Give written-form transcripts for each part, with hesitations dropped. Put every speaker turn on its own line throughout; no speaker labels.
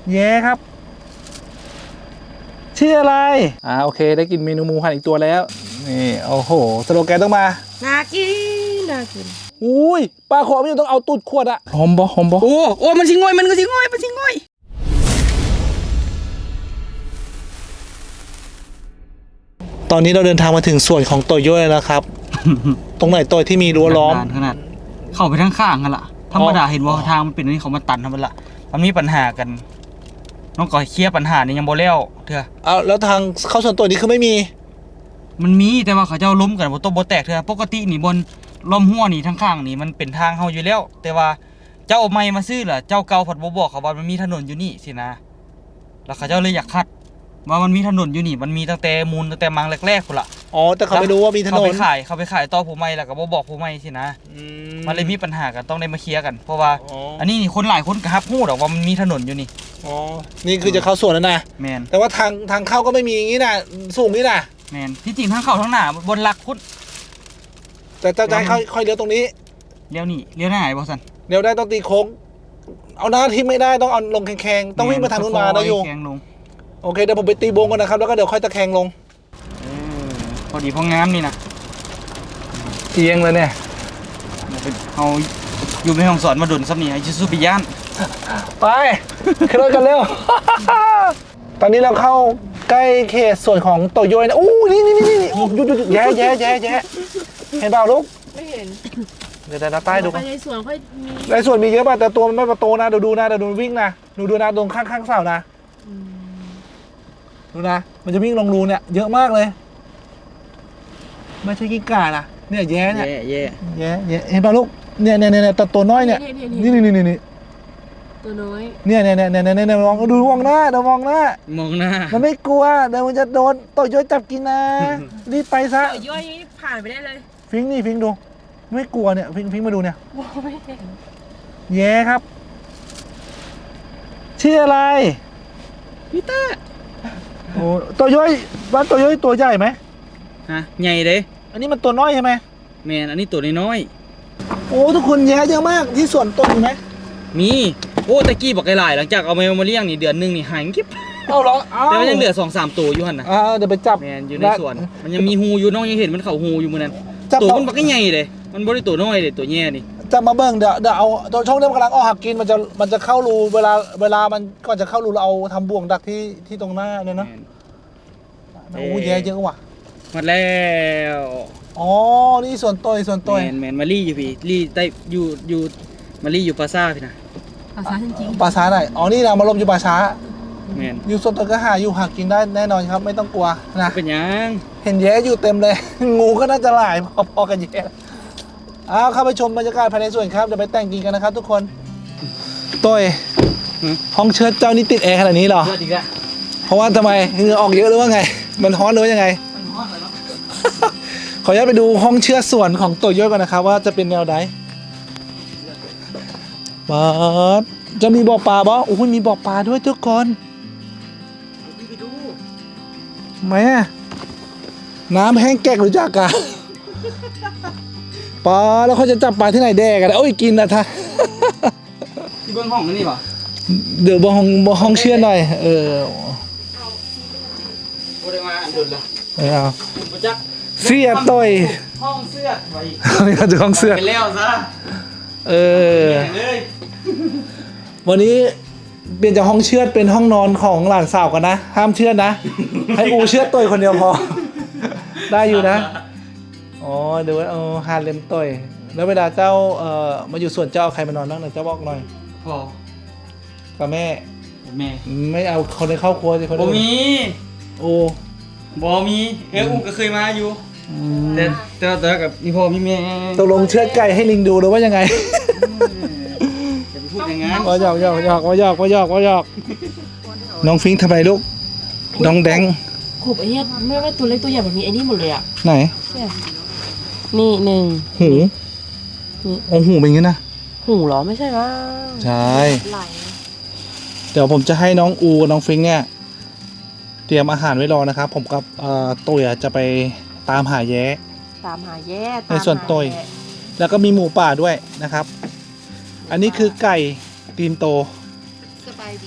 แย่ครับชื่ออะไรโอเคได้กินเมนูหมูหันอีกตัวแล้วนี่โอ้โหสโลแกนต้องมา
น่ากินน่ากิน
อุ้ยปลาขอไม่ต้องเอาตูดขวดอะหอมบ่
โอ้มันสิง่อยมันก็สิง่อยมันสิง่อย
ตอนนี้เราเดินทางมาถึงส่วนของโตโย่แล้วนะครับ ตรงไหนโตยที่มีรั้วล้อม
ขนาดเข้าไปทางข้างกันล่ะธรรมดาเห็นว่าทางมันเป็นนี่เขามาตันทำไมล่ะมันมีปัญหากันน้องก่อยเคลียร์ปัญหานี่ยังบ่แล้วเถอะ
แล้วทางเข้าส่วนตัวนี้คือไม่มี
มันมีแต่ว่าเขาเจ้าล้มกันบ่ตบ่แตกเถอะปกตินี่บนล้มหัวนี่ทางข้างนี่มันเป็นทางเฮาอยู่แล้วแต่ว่าเจ้าเอาไม้มาซื้อล่ะเจ้าเก่าผัดบ่บอกเขาว่ามันมีถนนอยู่นี่สินะแล้วเขาเจ้าเลยอยากคัดว่ามันมีถนนอยู่นี่มันมีตั้งแต่มูลตั้งแต่มังแรกๆพุ่นล่ะ
แต่เขาไม่รู้ว่ามีถนน
เขาไปขายต่อผู้ใหม่แล้วก็บ่บอกผู้ใหม่สินะมันเลยมีปัญหากันต้องได้มาเคลียร์กันเพราะว่าอันนี้นี่คนหลายคนก็ฮับฮู้ดอกว่ามันมีถนนอยู่นี่
นี่คือจะเข้าสวนแล้วนะ
แมน
แต่ว่าทางเข้าก็ไม่มีอย่างนี้นะสูงนี่นะ
แมนที่จริงทางเข้าทางหน้าบนหลักพุ่น
แต่จะให้ค่อยเลี้ยวตรงนี้
เลี้ยวนี่เลี้ยวหน้าไหนบอสัน
เลี้ยวได้ต้องตีโค้งเอาหน้าที่ไม่ได้ต้องเอาลงแข็งๆต้องวิ่งมาทางนู้นมานะโยโอเคเดี๋ยวผมไปตีวงก่อนนะครับแล้วก็เดี๋ยวค่อยตะแคงลง
พอดีพองามนี่นะ
เอียงเลยเนี่ย
เอาอยู่ในห้องสอนมาดุนซับนี่ไอชิซุปิยาน
ไปขึ้นรถกันเร็ว ตอนนี้เราเข้าใกล้เขตส่วนของโตโยนะอู้นี่หยุดแย่เห็นเปล่าลูก
ไม่เห็น
เดี๋ยวป้ายดู
ไปในสวนค่อยมี
ในสวนมีเยอะป่ะแต่ตัวมันไม่ประตูนะดูนะเดี๋ยวดูวิ่งนะดูนะตรงข้างเสานะดูนะมันจะวิ่งลงรูเนี่ยเยอะมากเลยไม่ใช่กิ้งก่านะเนี่ยแย่เนี่ยเห็นป่ะลูกเนี่ยตัวน้อยเนี่ยนี่
ตัวน้อย
เนี่ยมองดูมองหน้าเดี๋ยวมองหน้ามันไม่กลัวเดี๋ยวมันจะโดนโตโยจับกินนะรีบไปซะ
โตโยผ่านไปได้เลย
ฟิงดูไม่กลัวเนี่ยฟิงมาดูเนี่ยแย่ครับชื่ออะไร
พีเตอร์
โอ้โตโยว่าโตโยตัวใหญ่ไหม
ใหญ่เลย
อันนี้มันตัวน้อยใช่ไหม
แมนอันนี้ตัวน้อย
โอ้ทุกคนแย่เยอะมากที่สวนต้นไหม
มีโอ้ตะกี้บอกหลายหลังจากเอามาเลี้ยงนี่เดือนนึงนี่หายกิ๊บ
เหรอ
แต่มันยังเหลือ 2-3 ตัวอยู่หั่นน่ะ
เดี๋ยวไปจับ
แมนอยู่ในสวนมันยังมีหูอยู่น้องยังเห็นมันเข่าหูอยู่มื้อนั้นตัวมันบักใหญ่เลยมันบ่ได้ตัวน้อยเลยตัวแย่นี่
จะมาเบิ่งเดี๋ยวเอาตัวช่องนี้มันกำลังออกหักกินมันจะเข้ารูเวลามันก่อนจะเข้ารูเราเอาทำบ่วงดักที่ตรงหน้าเนี่ยนะโอ้แย่เยอะว่ะ
หมดแล้ว
นี่ส่วนตัว
แมนมาลี่อยู่พี่ลี่ได้อยู่มาลี่อยู่ปราสาทพี่นะ
ปราสาทจริง
ปราสาทไหนนี่นะมาลมอยู่ปราสาท
แมน
อยู่ส่วนตัวก็อยู่หักกินได้แน่นอนครับไม่ต้องกลัวนะ
เป็นยัง
เห็นแย่อยู่เต็มเลยงูก็น่าจะหลายพอกันแย่เข้าไปชมบรรยากาศภายในสวนครับเดี๋ยวไปแต่งกินกันนะครับทุกคนต้ยห้องเชิดเจ้านี่ติดแอร์ขนาดนี้เหรอเพราะว่าทำไมเหงื่อออกเยอะหรือว่าไงมันร้อนหรือว่ายังไงขออนุญาตไปดูห้องเชือดสวนของโตโยก่อนนะครับว่าจะเป็นแนวใดจะมีบ่อปลาบ่โอ้ยมีบ่อปลาด้วยทุกคน
ไปดู
ไหมน้ำแห้งแกกหรือจากกะปลาแล้วเขาจะจับปลาที่ไหนแดกกันโอ้ยกินนะท่า
ที่เบื้องห้องนั่นนี่ป่ะ
เดี๋ยวบ่ห้องเชือดหน่อย
โอ้ได้มาอันดุลละ
เอาเสียต่อย
ห้องเสื้อไว้
นี่ก็จะห้องเสื้อ
ไปแล้วซะ
วันนี้เปลี่ยนจากห้องเชือดเป็นห้องนอนของหลานสาวกันนะห้ามเชือดนะให้อูเชือดต่อยคนเดียวพอได้อยู่นะเดี๋ยวฮาเลมต่อยแล้วเวลาเจ้ามาอยู่ส่วนเจ้าใครมานอนนั่งหน่อยเจ้าบอกหน่อย
พ่อ
กับแม่ไม่เอาคนในครอบครัวสิคน
บ่มี
บ่
มีอูก็เคยมาอยู่แต่กับมีพ่อมีแม่
ตกลงเชือดไก่ให้ลิงดูหรือว่ายังไง
จะไปพูดอย่างนั้น
ว่าหยอกน้องฟิงทำไมลูกน้องแดง
ขบไอ้เนี่ยไม่ว่าตัวเล็กตัวใหญ่แบบนี้ไอ้นี่หมดเลยอ่ะ
ไหน
นี่หนึ่ง
หูหูเป็นอย่างนี้นะ
หูเหรอไม่ใช่ว่า
ใช่เดี๋ยวผมจะให้น้องอูน้องฟิงเนี่ยเตรียมอาหารไว้รอนะครับผมกับตุยจะไปตามหาแย้ในส่วนตุยแล้วก็มีหมูป่าด้วยนะครับอันนี้คือไก่ตีนโต
สบายดี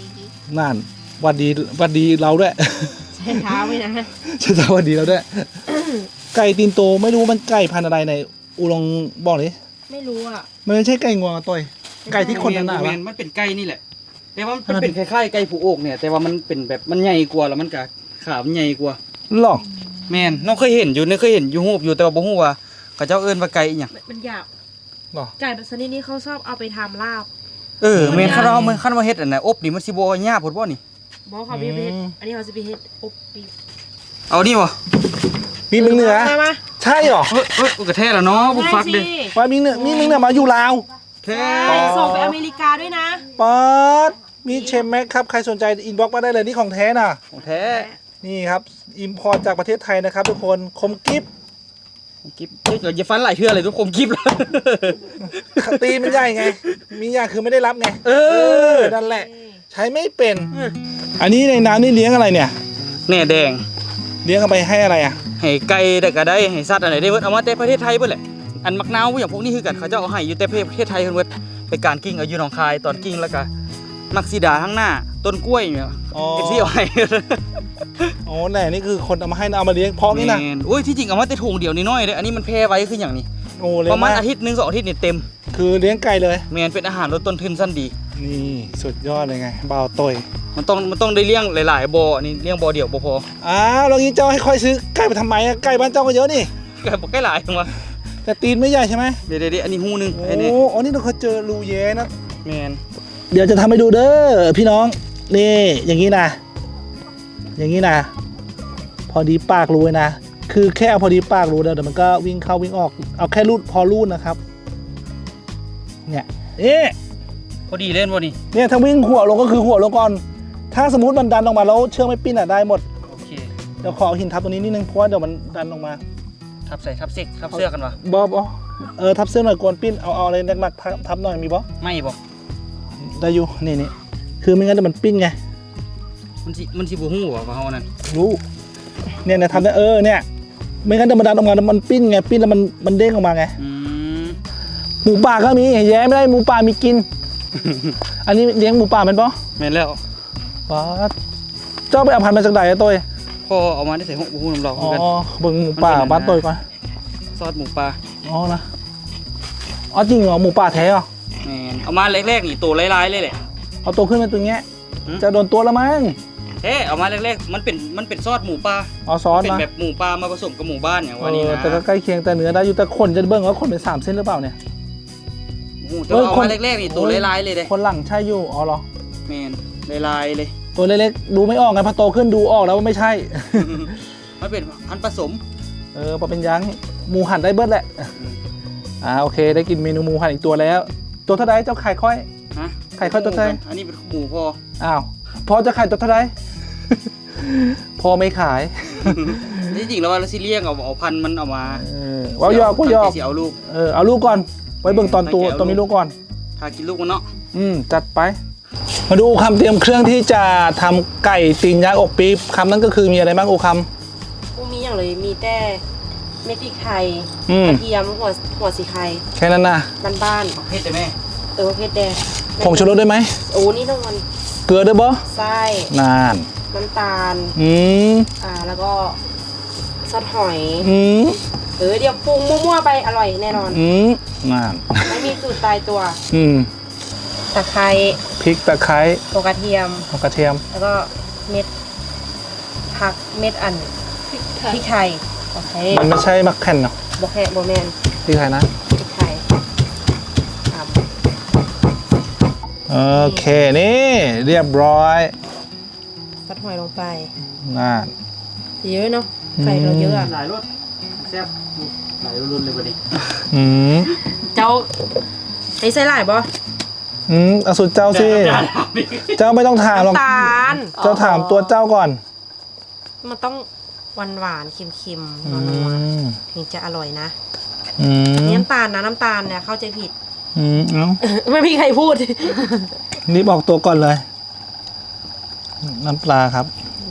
นั่นหวัดดีเราด้วย
ใช้เท้าไว้นะ
ใช่จ้าหวัดดีเราด้วย ไก่ตีนโตไม่รู้มันไก่พันธุ์อะไรในอูลองบอกเลย
ไม่รู้อ่ะ
มันไม่ใช่ไก่งวงต่อยไก่ที่คนหนาๆ
แม
วะ
นมันเป็นไก่นี่แหละ แต่ว่ามันเป็นคล้ายๆไก่ผูโอกเนี่ย แต่ว่ามันเป็นแบบมันใหญ่กว่าแล้วมันก็ขามันใหญ่กว่า
หรอ
แมนน้องเคยเห็นอยู่เนี่ยเคยเห็นอยู่รูปอยู่แต่ว่าบ่ฮู้ว่าเขาเจ้าเอิ้นว่าไก่อีหยัง
มันหยาบ
หรอ
ไก่แบบชนิดนี้เขาชอบเอาไปทำลาบ
แมนคันเรามันคันว่าเฮ็ดอันน่ะอบนี่มันสิบ่ยากพุ่นบ่นี่
บอกเขาพี่ไปเฮ็ดอันนี้เขาจะไปเฮ็ดอบปีบ
เอานี่บ่
มีมึงเหนือ
มา
ใช่หรอ
เฮ้ยกระแท้แล้วเนาะบ่ฟักเด้
ว่ามีมึงเหนือมาอยู่ลาว
แท้
ใช่ส่งไปอเมริกาด้วยนะ
ป๊อดมีเชมแม็กครับใครสนใจอินบ็อกมาได้เลยนี่ของแท้น่ะ
ของแท้
นี่ครับอิมพอร์ตจากประเทศไทยนะครับทุกคนคมกิฟ
กิบเดี๋ยวอย่าฟันหลายเทื่อเลยทุกคนกิบแล้ว
ตีมันใหญ่ไง มีอย่างคือไม่ได้รับไงนั่นแหละ ใช้ไม่เป็น อันนี้ในน้ำนี่เลี้ยงอะไรเนี่ย
แหน่แดง
เลี้ยงเอาไปให้อะไรอ่ะ
ให้ไก่ได้ก็ได้ให้สัตว์อะไรได้เบิดเอามาแต่ประเทศไทยเบิดแหละอันมักนาวอย่างพวกนี้คือกันเขาเจ้าเอาให้อยู่แต่ประเทศไทยเพิ่นเบิดไปการกิ้งเอาอยู่หนองคายตอนกิ้งแล้วก็มักสีดาข้างหน้าต้นกล้วยเนี่ย
อ๋อ
เอฟซีเอาให้
อ๋อแน่นี่คือคนเอามาให้เอามาเลี้ยงเพาะนี่นะ
แม่โอ้ยที่จริงเอามาแต่ถุงเดียวนิดหน้อยเด้ออันนี้มันแพร่ไว้คืออย่างนี้
โอ้เลี้ย
ป
ง
ระมาณ
มาก
อาทิตย์นึง2 อาทิตย์นี่เต็ม
คือเลี้ยงไก่เลย
แม่นเป็นอาหารลดต้นทุนสั้นดี
นี่สุดยอดเลยไงเบาตย
มันต้องได้เลี้ยงหลายๆบ่อนี่เลี้ยงบ่อเดียวบ่พอ
อ้าวแล้วงี้เจ้าให้ค่อยซื้อไก่ไปทำไมอะไก่บ้านเจ้าก็เยอะนี่
ไก่บ่ใกล้หลายจังวะ
แต่ตีนไม่ใหญ่ใช่ไหม
เดี๋ยวอันนี้หูนึง
โอ้
อันนี้
โอ้นี่เราเคยเจอรูเย้นะ
แม่น
เดี๋ยวจะทำให้ดูเด้อพี่น้องนี่อย่างนี้นะอย่างนี้นะพอดีปากรูเลยนะคือแค่เอาพอดีปากรูเดี๋ยวมันก็วิ่งเข้าวิ่งออกเอาแค่รูดพอรูดนะครับเนี่ยเอ๊ะ
พอดีเล่นบ่นี่
เนี่ยถ้าวิ่งหัวลงก็คือหัวลงก่อนถ้าสมมติมันดันออกมาแล้วเชือกไม่ปิ้นอ่ะได้หมด
โอเค
เดี๋ยวขอเอาหินทับตรงนี้นิดนึงเพราะว่าเดี๋ยวมันดันออกมา
ทับใส่ทับเสื้อทับเสื้อกันวะ
บอทับเสื้อหน่อยกวนปิ้นเอาอะไรหนักๆทับหน่อยมีบอ
ไม่บ่
ได้อยู่นี่คือไม่งั้นเดี๋ยวมันปิ้นไง
มันสิบ่ฮู้ว่าเฮานั่น
รู้เนี่ยทำได้เนี่ยไม่งั้นเดี๋ยวมันดันออกมาแล้วมันปิ้นไงปิ้นแล้วมันเด้งออกมาไง หมูป่าก็มีแย้ไม่ได้หมูป่ามีกิน อันนี้เลี้ยงหมูป่าเป็นปะ
แม่นแล้ว
ว้าเจ้าไปเอาพันธุ์มาจากไหนอะตัว
พ่อเอามาได้ใส่ห้องบ่ฮู้น้ำเราเหมื
อ๋
อนกัน
อเบิ่งหมูป่าบ้านตัวก่อน
ซอสหมูปลา
อ๋อนะอ๋อจริงเหรอหมูป่าแท้เหรอ
แม่นเอามาแรกๆนี่ตัวลายๆเลยแหละ
เอาตัวขึ้นเป็นตัวเงี้ย
หืม
จะโดนตัวแล้วมั้ง
เอามาแรกๆมันเป็นซอสหมูปลา
เอาซอส
เป็น
นะ
แบบหมูปลามาผสมกับหมูบ้านอย่างว่านี่นะ
แต่ก็ใกล้เคียงแต่เนื้อได้อยู่แต่ขนจะเบิ่งว่าขนเป็น3 เส้นหรือเปล่าเนี่ย
โอ้โหแต่ว่าเอามาแรกๆนี่ตัวลายๆเลยเด้
คนหลังใช่อยู่อ๋อเหรอ
แม่นลายๆเลย
ตัวเล็กๆดูไม่ออกไงพอโตขึ้นดูออกแล้วว่าไม่ใช่
มันเป็นอันผสม
พอเป็นยังหมูหั่นได้เบิดแหละโอเคได้กินเมนูหมูหั่นอีกตัวแล้ว ตัวเท่าไรเจ้าไข่ค่อย
ฮะ
ไข่ค่อยตัวเท่าไร
อันนี้เป็นหมูพอ
อ้าวพอจะขายตัวเท่าไหร พอไม่ขาย
ที่จริงแล้วว่าเราสิเลี้ยงเอาพันธุ์มันเอามา
ว่ายอกก็ยอก
สิเอาลูก
เอาลูกก่อน ไว้เบิ่งตอนตัว
ตั้งใจเอา
ตัวมีลูกก่อน
ถ้ากินลูกมันเนาะ
จัดไป มาดูคำเตรียมเครื่องที่จะทำไก่ตีนยักษ์อกปี๊บคำนั้นก็คือมีอะไรบ้างโอค
พวกมีอย่างเลยมีแต่เม็ดพริกไทย
อืม
กระเทียมหัวสีไข่
แค่นั้นนะ
บ้าน
เพชรแต่แม่
ๆเพชรแดง
ผงชูรสด้วยไหม
โอ้นี่ต้องมัน
เกลือด้วยบ่
ไส้
นาน
น้ำตาล
ม
แล้วก็ซอสหอย
อืม
เดี๋ยวปรุงมั่วๆไปอร่อยแน่นอน
นาน
ไม่มีสูตรตายตัว ตะไคร้
พริกตะไคร้
ตัวกระเทียม
กระเทียม
แล้วก็เม็ดผักเม็ดพริกไทยโอเค
มันไม่ใช่มักแผ่นเนาะ
โบแคโบแมน
พริกไทยนะ
พริกไทยครับ
โอเคนี่เรียบร้อย
ซอสหอยลงไป
น่า
เยอะเนาะไก่เราเยอะอะ
หลายรสแซ่บหลายรุ่นเลยบัดนี้
เจ้าไอ้ไส้หลายบ่
อสุดเจ้าสิ เจ้าไม่ต้องถามหรอก
น้ำตาล
เจ้าถามตัวเจ้าก่อน
มันต้องหวานๆเค็มๆนัวๆถึงจะอร่อยนะนี่น้ำตาลนะน้ำตาลเนี่ยเข้าใจผิด
เอ้า
ไม่มีใครพูด
นี่บอกตัวก่อนเลย น้ำปลาครับ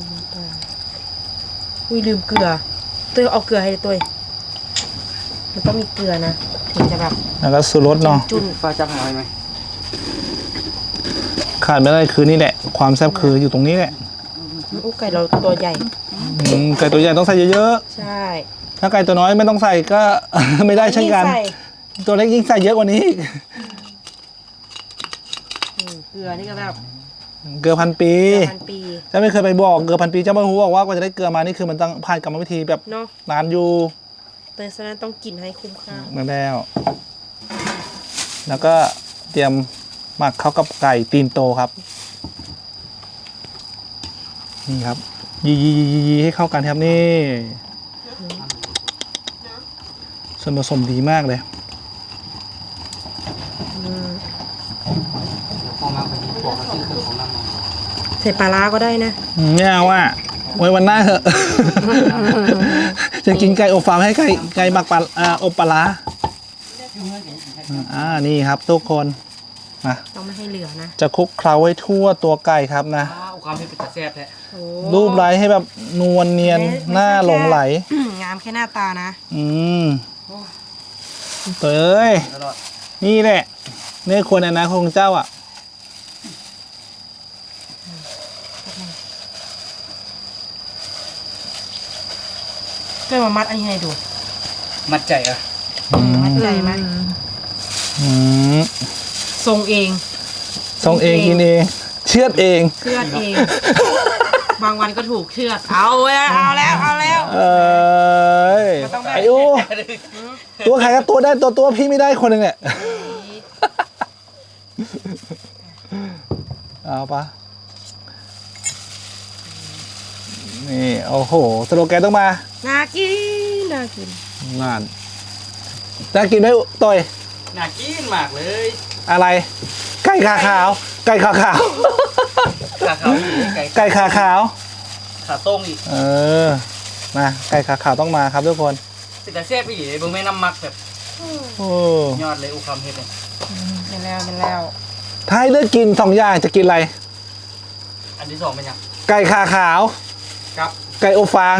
อุ้ยลืมเกลือตัวเอาเกลือให้เลยตัวมันต้องมีเกลือนะถึงจะแบบ
แล้วก็สูรสเนาะ
จุ่น
ฟ้าจับหอยไหม
ขาดไม่ได้คือนี่แหละ ความแซ่บคืออยู่ตรงนี้แหละ
อู้ไก่เราตัวใหญ่
ไก่ตัวใหญ่ต้องใส่เยอะ
ใช่
ๆถ้าไก่ตัวน้อยไม่ต้องใส่ก็ ไม่ได้เช่นกัน
ใส่
ตัวเล็กยิ่งใส่เยอะกว่านี้อีก
เกลือนี่ก็แบบ
เกลือพันปี
พันปี
เจ้าไม่เคยไปบอกเกลือพันปีเจ้าไม่รู้บอกว่ากว่าจะได้เกลือมานี่คือมันต้องผ่านกรรมวิธีแบบ
เนาะ
นานอยู่
แต่ฉะนั้นต้องกินให้คุ้มค่า
เหมือนแล้วก็เตรียมหมักเข้ากับไก่ตีนโตครับนี่ครับยีให้เข้ากันครับนี่ส่วนผสมดีมากเลย
พอมาพอดีบอกมาซื้อเครื่องของน้ำมา
ใส่ปลาร้าก็ได้นะ
ไม่เอาอ่ะไว้วันหน้าเถอะ จะกินไก่อบฟางให้ไก่หมักปลาอบปลาร้านี่ครับทุกคนนะ
ต้องไม่ให้เหลือนะ
จะคลุกเคล้าไว้ทั่วตัวไก่ครับนะ
อุความเป็นตาแซ่บแท้
โอ้
รูปไร้ให้แบบนวลเนียนหน้าหลงไหล
งามแค่หน้าตานะ
ตัวเอ้ย
ตลอด
นี่แหละนี่ควรอนาคตของเจ้าอ่ะ
เกิดมามัดอันนี้ให้ดู
มัดใจอ่ะ
มัดใจไหม
อืม
ทรงเอง
ส่งเองกินเองเชือดเอง
เชือดเอง บางวันก็ถูกเชือด เอาแล้วเอาแล้วเอาแล้ว
เอ้ย
มันต้องแบบ
ไอ้อูตัวใครก็ตัวได้ตัวพี่ไม่ได้คนหนึ่งเนี่ยเอาปะนี่โอ้โหสโลแกนต้องมา
น่ากินน่ากิน
งานจะกินไหมต่อย
น่ากินมากเลย
อะไร ไก่ขาขาว ไก่ขาขาว
ขาขาวนี่ไก่
ไก่ขาขาว
ขาต้งอีก
เออนะไก่ขาขาวต้องมาครับทุกคน
เป็นตาแซ่บอีกเบิ่งแม่น้ำมักแบบ
โอ้
ยอดเลยอุความเฮ็ดเลย
เป็นแล้วเป็นแล้ว
ถ้าให้เลือกกินสองอย่างจะกินอะไร
อันที่สองเป็นยัง
ไก่ขาขาว
ครับ
ไก่อบฟาง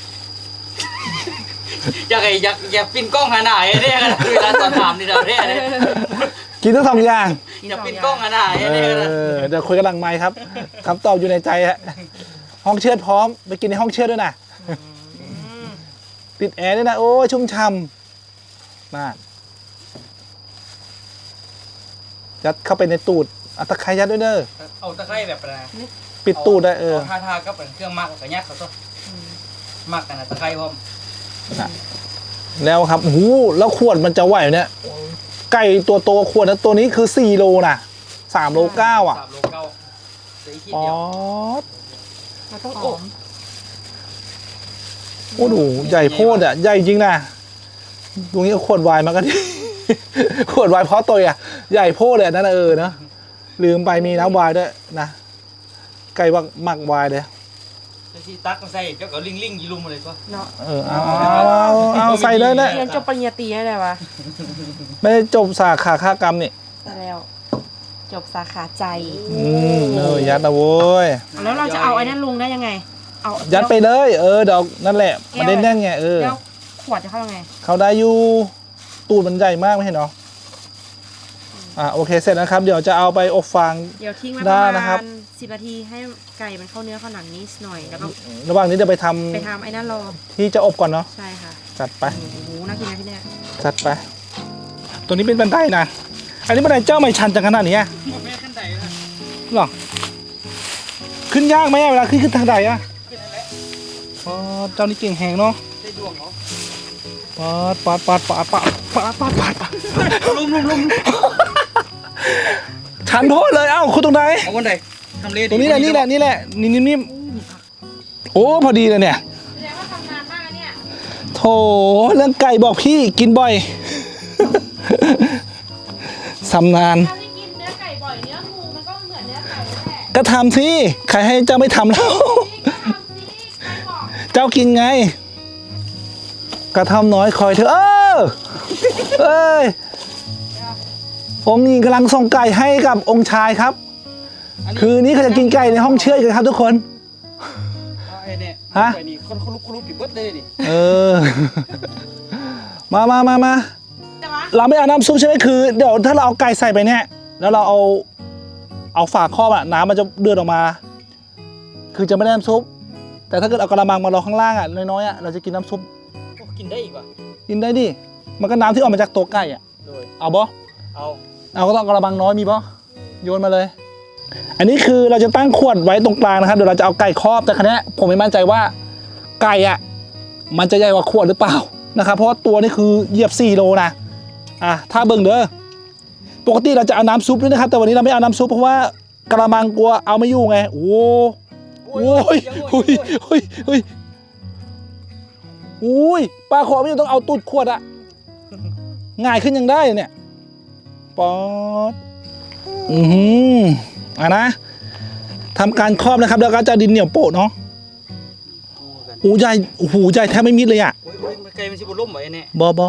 อยากปินกล้องหาหน้าไอ้เนี่ยกันเวลาตอนถามนี่เราเนี่ย
กินทั้งสองอย่าง
อยากปินกล้องหาหน้าไอ้เนี่ยกัน
เดี๋ยวคุยกันหลังไมค์ครับคำตอบอยู่ในใจฮะห้องเชือดพร้อมไปกินในห้องเชือดด้วยนะติดแอร์ด้วยนะโอ้ยชุ่มช่ำน่ายัดเข้าไปในตูดเอาตะไคร้ยัดด้วยเด้อ
เอาตะไคร้แบบนะ
ปิดตูดได้
ทากับเครื่องมักกับยัดเขาซะมักกันนะตะไคร้พร้อม
แล้วครับโอ้โหแล้วขวดมันจะไหวเนี่ยไก่ตัวโตขวดนะตัวนี้คือ4โลนะ3โล9อ่ะ
3โล9เหลืออีกที
อ๋อ
เดียว
เราต้องอบ
โอ้โหใหญ่โพดอ่ะใหญ่จริงนะตรงนี้เอาขวดไวน์มากัน ขวดไวน์เพราะตัวอ่ะใหญ่โพดเลยนั่นนะนะลืมไปมีน้ำไวน์ด้วยนะไก่หมักไวน์เลย
ที่ตักมาใส่เจ้าก็ลิงๆยีลุมมาเลยก็
เนาะ
เอาใส่เลยนะ
เรียนจบปริญญาตรีได้เลยวะ
ไม่ได้จบสาขาฆากรรมนี่
ได้แล้ว จบสาขาใจ
ยัดนะโว้ย
แล้วเราจะเอาไอ้นั่นลงได้ยังไง เอา
ยัดไปเลยเดี๋ยวนั่นแหละมันได้แน่นไง
แล้วขวดจะเข้ายังไง
เขาได้อยู่ตูดมันใหญ่มากไม่เห็นเหรอโอเคเสร็จนะครับ เดี๋ยวจะเอาไปอบฟาง
เดี๋ยวทิ้งไว้ป
ได้
ระ
นะครั
มา
บ
ณ10 นาทีให้ไก่มันเข้าเนื้อเข้าหนังนิดหน่อย แล้วก็
ระหว่างนี้จะไปทำ
ไปทำไอ้นั่นรอ
ที่จะอบก่อนเนาะ
ใช่ค่ะ
จัดไป
โอ้โหน่ากินนะพี่เนี่ย
จัดไป ตัวนี้เป็นบันไดนะ อันนี้บันไดเจ้าไม่ชันจังขนาดนี้อะ
แม่ขั้นใดนะ
หรอ ขึ้นยากไหมเวลาขึ้นทางใดอะอ๋อเจ้านี่เก่งแหงเนาะ
ได้ดวงเหรอ
ปัด
ลุ่ม
ชันโพดเลยเอ้าคุณตรงไหน
เอาวันใดทำเล
ตรงนี้แหละนี่โอ้พอดีเลยเนี่ย
แสดงว่าทำนานมากนะเนี่ย
โถเรื่องไก่บอกพี่กินบ่อย สำนาน
ถ้าไม่กินเนื้อไก่บ่อยเนื้องูมันก็เหมือนเนื้อไก่นั่นแหละ
ก็ทำสิใครให้เจ้าไม่ทำแล้ว
นี่ก็ทำสิใครบอก
เจ้ากินไง กระทำน้อยคอยเถอะเอ้ยองค์หญิงกำลังส่งไก่ให้กับองค์ชายครับ คืนนี้เขาจะกินไก่ในห้องเชือดกันครับทุกคน
ไอ้เนี่ย
ฮะ
ไอ้นี่คนลุกปิดเบิดเลยนี่
มา
แต่ว่า
เราไม่เอาน้ำซุปใช่ไหมคือเดี๋ยวถ้าเราเอาไก่ใส่ไปเนี่ย แล้วเราเอาเอาฝาครอบอะน้ำมันจะเดือดออกมา คือจะไม่ได้น้ำซุปแต่ถ้าเกิดเอากระมังมารอข้างล่างอะน้อยๆอะเราจะกินน้ำซุป
โอ้กินได้อีกว่ะ
กินได้ดิมันก็น้ำที่ออกมาจากตัวไก่อะ
โดย
เอาบ่
เอา
ก็ต้องกระมังน้อยมีบ่โยนมาเลย อันนี้คือเราจะตั้งขวดไว้ตรงกลางนะครับเดี๋ยวเราจะเอาไก่ครอบแต่ครั้นี้ผมไม่มั่นใจว่าไก่อะมันจะใหญ่กว่าขวดหรือเปล่านะครับเพราะว่าตัวนี้คือเหยียบ4 โลนะถ้าเบิ่งเด้อปกติเราจะเอาน้ำซุปด้วยนะครับแต่วันนี้เราไม่เอาน้ำซุปเพราะว่ากระมังกลัวเอาไม่อยู่ไงโอ้ยปลาขอไม่ต้องเอาตูดขวดอะง่ายขึ้นยังได้เนี่ยป๊อดนะทำการครอบนะครับแล้วก็จะดินเหนียวโปะเนาะโอ้ใหญ่โอ้โหใหญ่แทบไม่มิดเลยอ่ะ
โอ้ยไก่มันสิบ่ล่มไว้แน่
บอ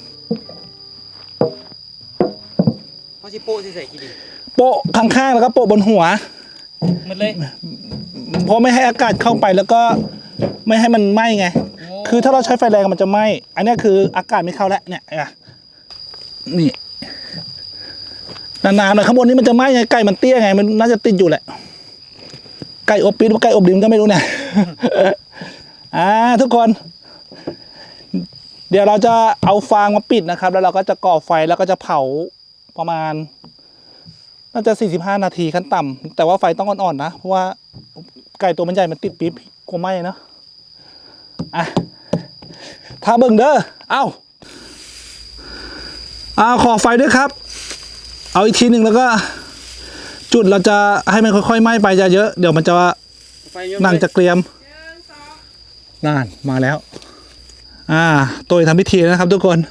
เฮาสิโป้ใส่กี่ดิ
โปะข้างๆแล้วก็โปะบนหัว
หมดเลย
เพราะไม่ให้อากาศเข้าไปแล้วก็ไม่ให้มันไหม้ไงคือถ้าเราใช้ไฟแรงมันจะไหม้อันนี้คืออากาศไม่เข้าแล้วเนี่ยนี่นานๆหน่อยข้างบนนี้มันจะไหม้ไงไก่มันเตี้ยไงมันน่าจะติดอยู่แหละไก่อบปี๊ดหรือไก่อบดิมก็ไม่รู้เนี่ย ทุกคน เดี๋ยวเราจะเอาฟางมาปิดนะครับแล้วเราก็จะก่อไฟแล้วก็จะเผาประมาณน่าจะ45 นาทีขั้นต่ำแต่ว่าไฟต้องอ่อนๆนะเพราะว่าไก่ตัวมันใหญ่มันติดปี๊บกลัวไหม้เนาะถ้าเบิ่งเด้อขอไฟด้วยครับเอาอีกทีหนึ่งแล้วก็จุดเราจะให้มันค่อยๆไหม้ไปเยอะเดี๋ยวมันจะหนังจะเกรียมนั่นมาแล้วตัวทำพิธีนะครับทุกคน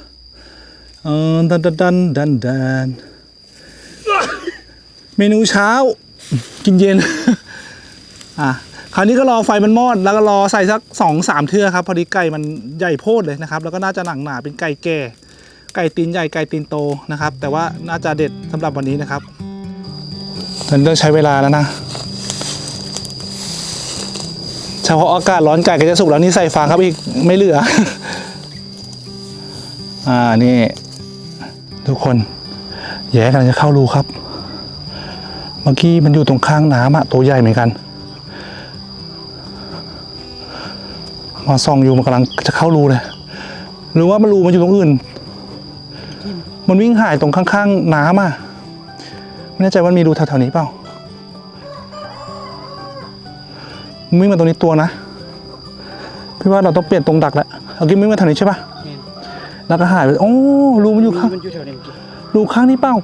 ดันเมนูเช้ากินเย็นคราวนี้ก็รอไฟมันมอดแล้วก็รอใส่สัก2-3 เทื่อครับพอดีไก่มันใหญ่โพดเลยนะครับแล้วก็น่าจะหนังหนาเป็นไก่แก่ไก่ตีนใหญ่ไก่ตีนโตนะครับแต่ว่าน่าจะเด็ดสำหรับวันนี้นะครับมันต้องใช้เวลาแล้วนะเฉพาะอากาศร้อนไก่ก็จะสุกแล้วนี่ใส่ฟางครับอีกไม่เหลือ นี่ทุกคนแย่กำลังจะเข้ารูครับเมื่อกี้มันอยู่ตรงข้างน้ำตัวใหญ่เหมือนกันมาส่องอยู่มันกำลังจะเข้ารูเลยหรือว่ามันรูมันอยู่ตรงอื่นมันวิ่งหายตรงข้างๆน้ำไม่แน่ใจว่ามีรูแถวๆนี้เปล่าวิ่งมาตรงนี้ตัวนะพี่ว่าเราต้องเปลี่ยนตรงดักแล้วเอากินวิ่งมาแถวนี้ใช่ปะแล้วก็หายไปโอ้รูมันอยู่ข้างรูข้างนี้เปล่า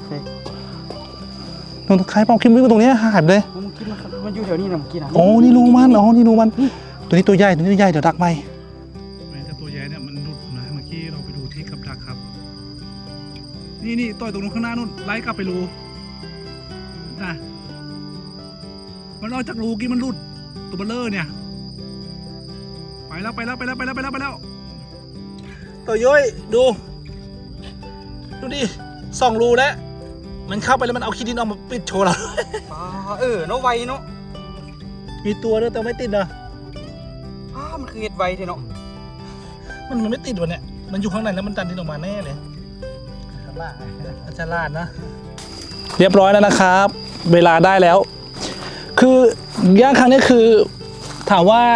ตรงท้ายเปล่าคิมวิ่งมาตรงนี้หายไปเลย
มันอยู่แถวนี้นะเมื่อกี้นะ
นี่รูมันนี่รูมันตัวนี้ตัวใหญ่เดี๋ยวดักไหมแต่ตัวใหญ่เนี่ยมันหลุดนะเมื่อกี้เราไปดูที่กับดักครับนี่ต่อยตรงนู้นข้างหน้านู่นไล่กลับไปรูนะมันออกจากรูกี้มันหลุดตัวเบลเลอร์เนี่ยไปแล้วตัวย้อยดูดิ2 รูแล้วมันเข้าไปแล้วมันเอาขี้ดินออกมาปิดโชว์เรา
เนาะไวเนาะ
มีตัวด้วยแต่ไม่ติดนะ
มันคือเห็ดไวเท่เนาะ
มันไม่ติดวะเนี่ยมันอยู่ข้างในแล้วมันดันดินออกมาแน่เลยฉลาดนะเรียบร้อยแล้วนะครับเวลาได้แล้วคือย่างครั้งนี้คือถามว่า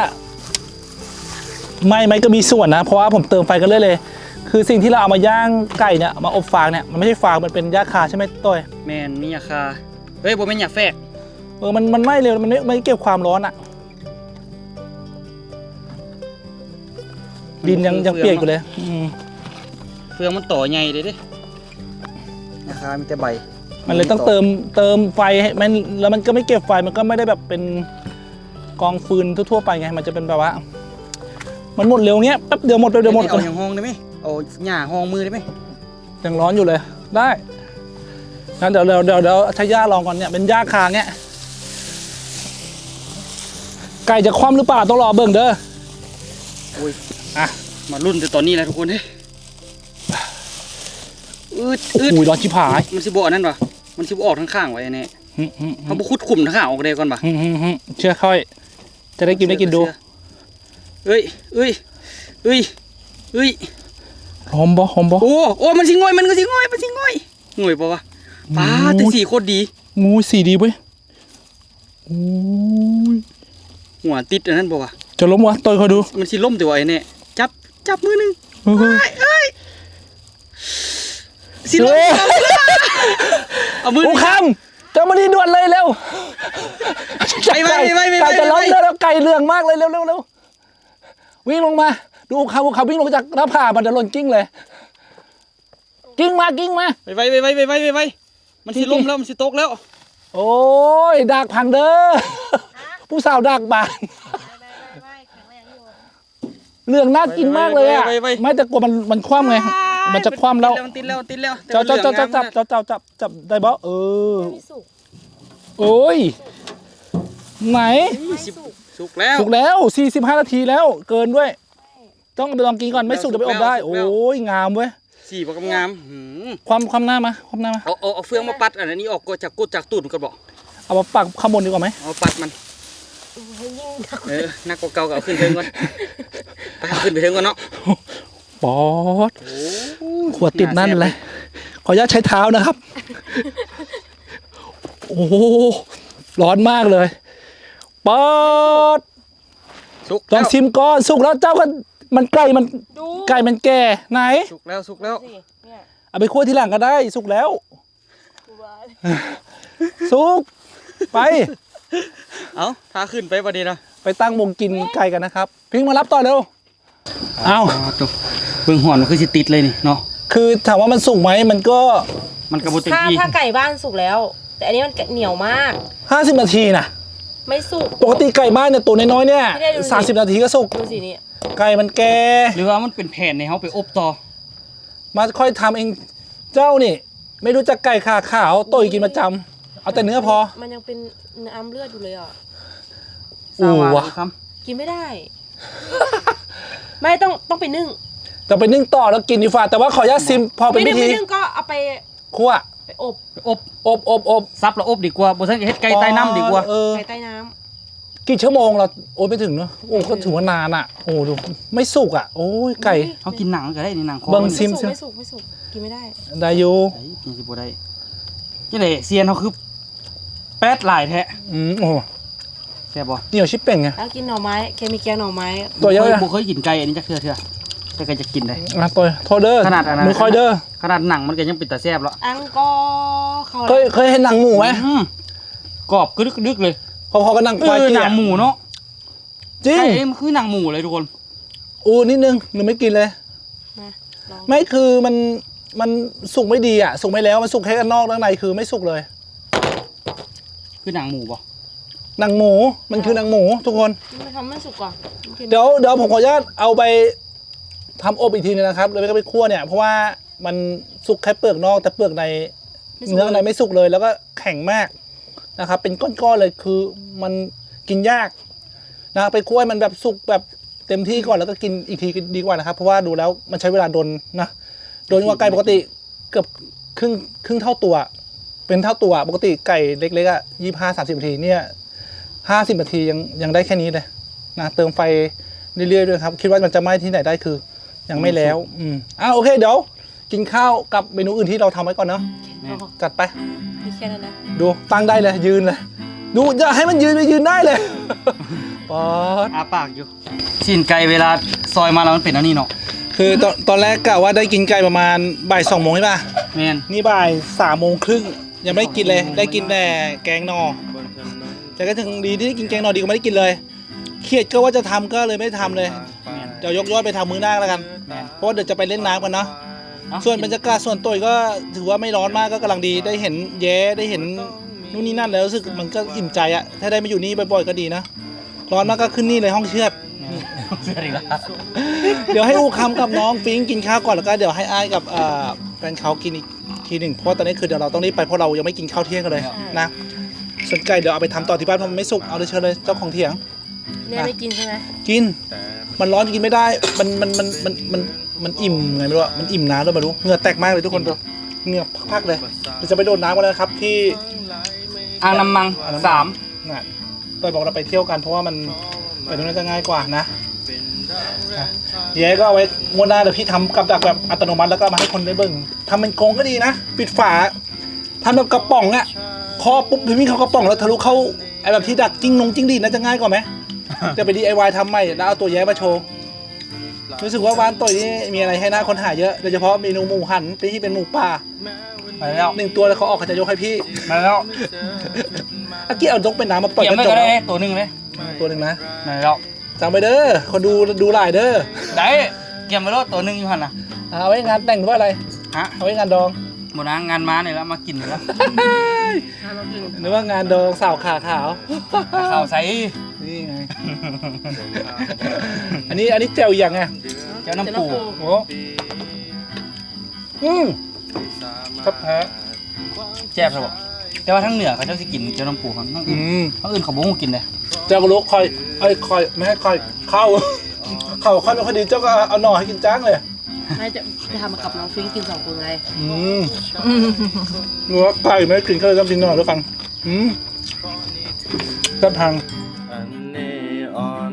ไม่ก็มีส่วนนะเพราะว่าผมเติมไฟกันเลยคือสิ่งที่เราเอามาย่างไก่เนี่ยมาอบฟางเนี่ยมันไม่ใช่ฟางมันเป็นหญ้าคาใช่ไหมต้อย
แมนมีหญ้าคาบ่แม่นหญ้าแฝก
มันไหม้เร็วมันไม่เก็บความร้อนดินยังเปียกอยู่เลย
เฟืองมันต่อใหญ่เลยดิหญ้าคามีแต่ใบ
มันเลยต้องเติมไฟให้มันแล้วมันก็ไม่เก็บไฟมันก็ไม่ได้แบบเป็นกองฟืนทั่วๆไปไงมันจะเป็นแบบว่ามันหมดเร็วเงี้ยแป๊บเดียวหมด
เอาอย่างห้องได้ไหมเอาหญ้าห้องมือได้ไหม
ยังร้อนอยู่เลยได้งั้นเดี๋ยวใช้หญ้าลองก่อนเนี่ยเป็นหญ้าคาเงี้ยไก่จะคว่ำหรือเปล่าต้องรอเบิ่งเด้อ
มารุ่นแต่ตอนนี้แหละทุกคนเฮ้ย
ร้อนชิบหาย
มันสิบออกนั่นปะมันสิบออกทั้งข้างไว้เนี่ยเขาบุคุดขุ่มทั้งข้างออกได้ก่อนปะ
เชื่อค่อยจะได้กินดู
เอ้ย
หอมบ่
โอ้มันสิง่อยมันก็สิง่อยง่อยปะวะป้าแต่สีโคตรดี
งูสีดีเว้ยโอ้ย
หัวติดอันนั้นบ่วะ
จะล้มวะต่อยคอยดู
มันสิล่มแต่ว่าไอ้เนี่ยจับมือหนึง
เฮ้ย
เอ้ยสิล่มเอามือห
โอ้
นึ่ง
คำเจ้ามาดีด่วนเลยเร็ว
ไป
ไก่จะล้มแล้วไก่เหลืองมากเลยเร็ววิ่งลงมาดูเขาวิ่งลงจากหน้าผามันจะหล่นกิ้งเลยกิ้งมา
ไปมันสิล่มแล้วมันสิตกแล้ว
โอ้ยดักพังเด้อผู้สาวดักบาน
ไม่แข็งแรงอยู่
เรื่องน่ากินมากเลยอ่ะไม่แต่กลัวมันคว่ำไงมันจะคว่ำแล้ว
มันติดแล้ว
จับได้บ่
ไม่สุก
โอ้ยไหน
สุกแล้ว
สุกแล้ว45 นาทีแล้วเกินด้วย ต้องเอาไปลองกินก่อนไม่สุกเดี๋ยวไปอบได้โอ้ยงามเว้ย
สีบ่งาม
ความหน้ามา
เอาเฟืองมาปัดอันนี้ออกก็จากตูดมันก็บอก
เอามาปักข้างบนดีกว่าไหม
เอาปัดมัน
ให้ยิ่งดัก
นักกว่าเก่าก็เอาขึ้นเทิงก่อนไปเอาขึ้นไปเทิงก่อนเนาะ
ปอดขวดติดนั่นเลยขออนุญาตใช้เท้านะครับโอ้โหร้อนมากเลยปอด
สุก
ลองชิมก่อนสุกแล้วเจ้าก็มันไก่มันแก่ไหน
สุกแล้ว
สิเนี่ย
เอาไปคั่วทีหลังก็ได้สุกแล้ว สุกไป
เอาถ้าขึ้นไปประเดี๋ยวนะ
ไปตั้งวงกินไก่กันนะครับพิงมารับต่อเร็วเอา
ตัวเบิ่งหอนมันคือสิติดเลยนี่เนาะ
คือถามว่ามันสุกไหมมันก็
มันกระบุติด
ถ้าไก่บ้านสุกแล้ว แต่อันนี้มันเหนียวมาก
50 นาทีนะ
ไม่สุก
ปกติไก่บ้านเนี่ยตัวน้อยๆเนี่ย
ไม่ได้ดูสิ
30 นาทีก็สุก
ดูสินี่
ไก่มันแก่
หรือว่ามันเป็นแผ่นในเขาไปอบต่อ
มาค่อยทำเองเจ้านี่ ไม่รู้จักไก่ขาขาวต่อยกินประจำเอาแต่เนื้อพอ
มันยังเป็นน้ำเลือดอยู่เลยอ่ะ
อู้วะ
ครับ
กินไม่ได้ ไม่ต้องไปนึ่ง
จะไปนึ่งต่อแล้วกินดีฝ่าแต่ว่าขออนุญาตซิมพอเป็นพิธี
ไม่นึ่งก็เอาไป
คั่ว
ไปอบ
อบ ซับแล้วอบดีกว่าบ่ซั่นก็เฮ็ดไก่ใต้น้ำดีกว่า
ไก่ใต้น้
กี่ชั่วโมงเราโอ้ยไม่ถึงเนอะโอ้ก็ถือว่านานอ่ะโอ้ดูไม่สุกอ่ะโอ้ย
ำ
ไก่
เขากินหนังก็ได้นี่หนังคอ
เบิ่ง
มัน
ซิม
ไม่สุกกินไม่ได้
ได้อยู่
ไอ้กินสิบ่ได้จังได๋เซียนเขาคือแป๊ดหลายแท้
โอ้
แซ่บบ่
เหนียวชิบเป่งไง
แล้วกินหน่อไม้เคมีแกงหน่อไม้
ตัวเยอะ
บ่เคยกินไก่อันนี้จักเทื่อแต่ก็จะกินได้
อ่ะตัวโทษเด้อ
ขนาดอันนั้น
มือคอยเด้อ
ขนาดหนังมันก็ยังเป็นตาแซ่บแล้ว
อังกอร์เขา
เคยเห็นหนังหมูไหม
กรอบกรึกๆเลย
พอๆกับหนังควาย
ห
เจี๊
นั
ย
งหมูเนาะ
จริง
ไก่มันคือหนังหมูเลยทุกคน
อูนิดนึงหนูไม่กินเลย
นะลอง
ไม่คือมันสุกไม่ดีอ่ะสุกไม่แล้วมันสุกแค่ด้านนอกด้านในคือไม่สุกเลย
คือหนังหมูป่ะ
หนังหมูมันคือหนังหมูทุกคน
ไม่ทำไม่สุกก่อนกิน
เดี๋ยวผมขออนุญาตเอาไปทำอบอีกทีนึงนะครับแล้วก็ไปคั่วเนี่ยเพราะว่ามันสุกแค่เปลือกนอกแต่เปลือกในเนื้อข้างในไม่สุกเลย แล้วก็แข็งมากนะครับ เป็นก้อนๆเลยคือมันกินยากนะไปคั่วให้มันแบบสุกแบบเต็มที่ก่อนแล้วก็กินอีกทีดีกว่านะครับ เพราะว่าดูแล้วมันใช้เวลาโดนนะโดนกว่าไก่ปกติเกือบครึ่งเท่าตัว เป็นเท่าตัวปกติไก่เล็กๆอ่ะ25-30 นาทีเนี่ย50 นาทียังได้แค่นี้เลยนะเติมไฟเรื่อยๆด้วยครับคิดว่ามันจะไหม้ที่ไหนได้คือ ยังไม่แล้วโอเคเดี๋ยวกินข้าวกับเมนูอื่นที่เราทำไว้ก่อนเนาะ
อ๋อ
จัดไป
มีแค่นั้นนะ
ดูตั้งได้เลยยืนเลยดูอย่าให้มันยืนได้เลยปอด
อาปากอยู่ชิ้นไก่เวลาซอยมาแล้วมันเป็นอันนี้เนาะ
คือตอนแรกกะว่าได้กินไก่ประมาณบ่าย 2 โมงใช่ป่ะ
แม่น
นี่บ่าย 3 โมงครึ่งยังไม่ได้กินเลยได้กินแต่แกงนอแต่ก็ถึงดีที่ได้กินแกงนอดีกว่าไม่ได้กินเลยเครียดก็ว่าจะทำก็เลยไม่ได้ทำเลยเดี๋ยวยกยอดไปทำมื้อหน้าแล้วกัน
แม่น
เพราะว่าเดี๋ยวจะไปเล่นน้ำกันเนาะ ส่วนบรรยากาศส่วนตัวก็ถือว่าไม่ร้อนมากก็กำลังดีได้เห็นแย้ได้เห็นนู่นนี่นั่นแล้วรู้สึกมันก็อิ่มใจอะถ้าได้มาอยู่นี่บ่อยๆก็ดีนะร้อนมากก็ขึ้นนี่เลยห้องเชือด
เสื้ออีกแล้ว
เดี๋ยวให้อูคำกับน้องฟิงกินข้าวก่อนแล้วก็เดี๋ยวให้อ้ายกับแฟนเขากินอีกทีหนึ่งเพราะตอนนี้คือเดี๋ยวเราต้องรีบไปเพราะเรายังไม่กินข้าวเที่ยงกันเลยนะส่วนไก่เดี๋ยวเอาไปทำต่อที่บ้านเพราะมันไม่สุกเอาเลยเชิญเลยเจ้าของเถียง
เนี่ยไม่กินใช่ไหม
กินมันร้อนกินไม่ได้มันอิ่มไงไม่รู้อะมันอิ่มน้ำด้วยไม่รู้เหงื่อแตกมากเลยทุกคนดูเหงื่อพักๆเลยเราจะไปโดนน้ำกันแล้วนะครับที่
อ่างน้ำมัง 3
งานต่อยบอกเราไปเที่ยวกันเพราะว่ามันไปตรงนั้นจะง่ายกว่านะเย้ก็เอาไว้งวดหน้าเดี๋ยวพี่ทำกับดักแบบอัตโนมัติแล้วก็มาให้คนได้เบิ่งทำเป็นกรงก็ดีนะปิดฝาทำแบบกระป๋องอะครอบปุ๊บพี่มิ่งเขากระป๋องแล้วทะลุเข้าไอ้แบบที่ดักจิ้งดีดน่าจะง่ายกว่าไหม จะไป DIY ทำใหม่แล้วเอาตัวแย้มาโชว์รู้สึกว่าบ้านต่อยนี่มีอะไรให้น่าค้นหาเยอะโดยเฉพาะเมนูหมูหันที่เป็นหมูป่า
ไปแล้ว
1 ตัวแล้วเขาออกเขาจะยกให้พี่
มาแล้ว
อากี้เอายกเป็นน้ำมาปล่อย
เกี่ย
ก
ว
ระ
ไม่
จ
ก็
ก
ได้ตัวหนึงเลย
ตัวหนึ่งนะ
มาแล้ว
จำไปเด้อคนดูหลายเด้อ
ได้เกี่ยวมาแล้วตัวหนึงอยู่หั่นน่ะ
เอาไว้งานแต่งหรือว่าอะไร
ฮะ
เอาไว้งานดอง
บ่นะงานมานี่แล้วมากินแล้ว
หรือว่างานดองสาวขาขาว
ข้าวใส่
นี่ไง อันนี้แจ่วอย่างไง
เจ้าน้ำปู
โอ้ครับแพ้
แซ่บครับแต่ว่าทั้งเหนือเขาเจ้าสิกินเจ้าน้ำปูทั้งอื่นทั้งอื่นเขาบ่ฮู้กินเลย
เจ้าก็รู้คอยไม่ให้คอยเข้า เข้าค่อยไม่ค่อยดีเจ้าก็เอาหน่อให้กินจ้างเลย
ไม่จะทำมากับน้องฟิงกิน2 คนไง
หนูว่าไก่ไม่กินก็เลยต้องกินหน่อด้วยฟังจับทาง
อันนี้อ่อน